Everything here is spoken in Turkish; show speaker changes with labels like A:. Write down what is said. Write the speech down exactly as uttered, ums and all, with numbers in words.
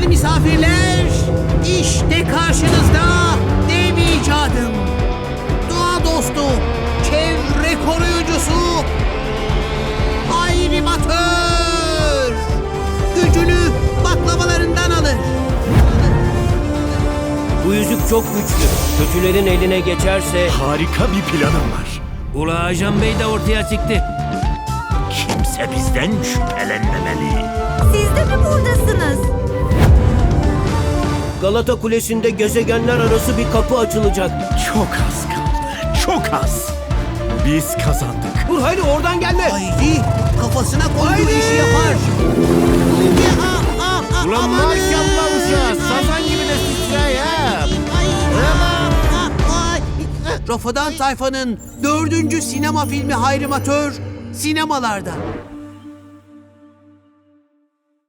A: misafirler, işte karşınızda dev icadım. Doğa dostu, çevre koruyucusu, Hayrimatör. Gücünü baklavalarından alır.
B: Bu yüzük çok güçlü. Kötülerin eline geçerse...
C: Harika bir planım var.
B: Ula Ajan Bey de ortaya çıktı.
C: Kimse bizden şüphelenmemeli.
D: Siz de mi buradasınız?
B: Galata Kulesi'nde gezegenler arası bir kapı açılacak.
C: Çok az kaldı. Çok az. Biz kazandık.
B: Dur haydi oradan gelme.
A: Hayri kafasına koyduğu
B: Hayri!
A: işi yapar. Ah, ah, ah,
B: Ulan
A: amanın!
B: maşallah uşağı, sazan gibi de titrey ha.
A: Ay, ah, ah, ay. Rafadan Tayfa'nın dördüncü sinema filmi Hayrimatör sinemalarda.